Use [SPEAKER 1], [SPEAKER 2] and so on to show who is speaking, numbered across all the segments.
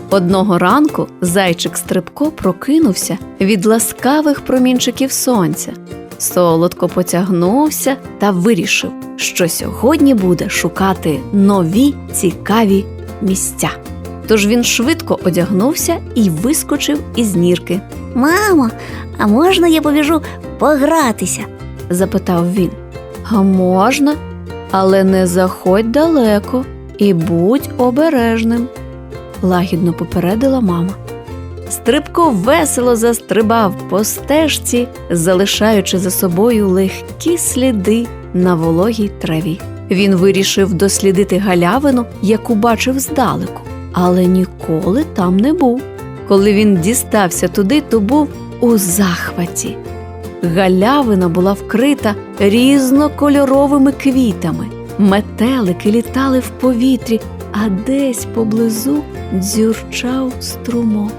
[SPEAKER 1] Одного ранку зайчик Стрибко прокинувся від ласкавих промінчиків сонця. Солодко потягнувся та вирішив, що сьогодні буде шукати нові цікаві місця. Тож він швидко одягнувся і вискочив із нірки.
[SPEAKER 2] «Мамо, а можна я побіжу погратися?»
[SPEAKER 1] – запитав він. «А можна, але не заходь далеко і будь обережним», – лагідно попередила мама. Стрибко весело застрибав по стежці, залишаючи за собою легкі сліди на вологій траві. Він вирішив дослідити галявину, яку бачив здалеку, але ніколи там не був. Коли він дістався туди, то був у захваті. Галявина була вкрита різнокольоровими квітами. Метелики літали в повітрі, а десь поблизу дзюрчав струмок.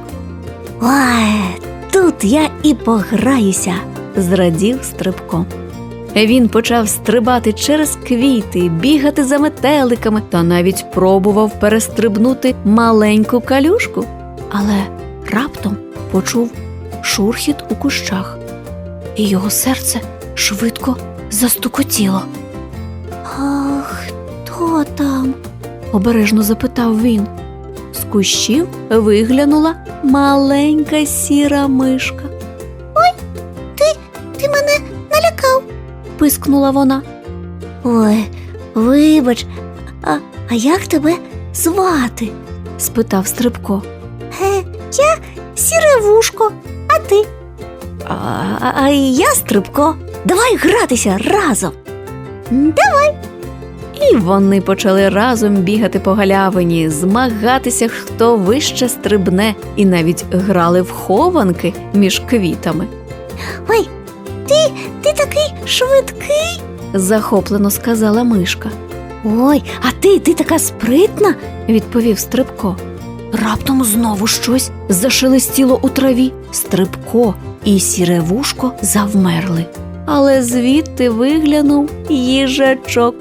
[SPEAKER 2] «Ой, тут я і пограюся!»
[SPEAKER 1] – зрадів Стрибко. Він почав стрибати через квіти, бігати за метеликами та навіть пробував перестрибнути маленьку калюшку. Але раптом почув шурхіт у кущах, і його серце швидко застукотіло.
[SPEAKER 2] «А хто там?»
[SPEAKER 1] – обережно запитав він. З кущів виглянула маленька сіра мишка.
[SPEAKER 2] «Ой, ти мене налякав!»
[SPEAKER 1] – пискнула вона.
[SPEAKER 2] «Ой, вибач, а як тебе звати?»
[SPEAKER 1] – спитав Стрибко.
[SPEAKER 2] «Я Сіревушко, а ти?» «А я Стрибко. Давай гратися разом!» «Давай!»
[SPEAKER 1] І вони почали разом бігати по галявині, змагатися, хто вище стрибне, і навіть грали в хованки між квітами.
[SPEAKER 2] «Ой, ти такий швидкий!»
[SPEAKER 1] – захоплено сказала мишка.
[SPEAKER 2] «Ой, а ти така спритна!»
[SPEAKER 1] – відповів Стрибко. Раптом знову щось зашелестіло у траві. Стрибко і Сіревушко завмерли. Але звідти виглянув їжачок.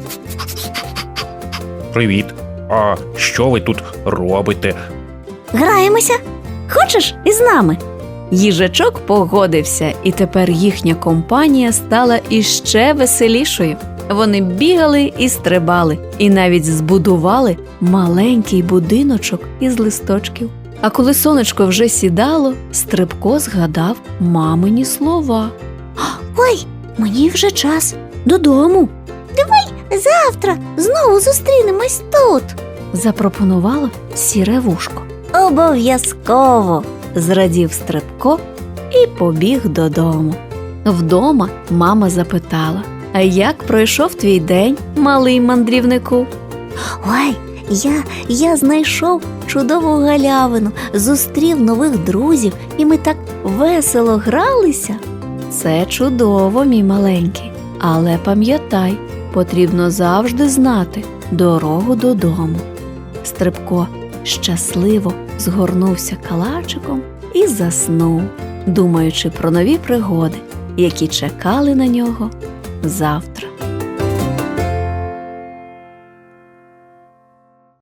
[SPEAKER 3] «Привіт! А що ви тут робите?»
[SPEAKER 2] «Граємося? Хочеш із нами?»
[SPEAKER 1] Їжачок погодився, і тепер їхня компанія стала іще веселішою. Вони бігали і стрибали, і навіть збудували маленький будиночок із листочків. А коли сонечко вже сідало, Стрибко згадав мамині слова.
[SPEAKER 2] «Ой, мені вже час додому. Давай завтра знову зустрінемось тут»,
[SPEAKER 1] – запропонувала Сіревушко.
[SPEAKER 2] «Обов'язково»,
[SPEAKER 1] – зрадів Стрибко і побіг додому. Вдома мама запитала: «А як пройшов твій день, малий мандрівнику?»
[SPEAKER 2] «Ой, я знайшов чудову галявину, зустрів нових друзів, і ми так весело гралися».
[SPEAKER 1] «Це чудово, мій маленький, але пам'ятай, потрібно завжди знати дорогу додому». Стрибко щасливо згорнувся калачиком і заснув, думаючи про нові пригоди, які чекали на нього завтра.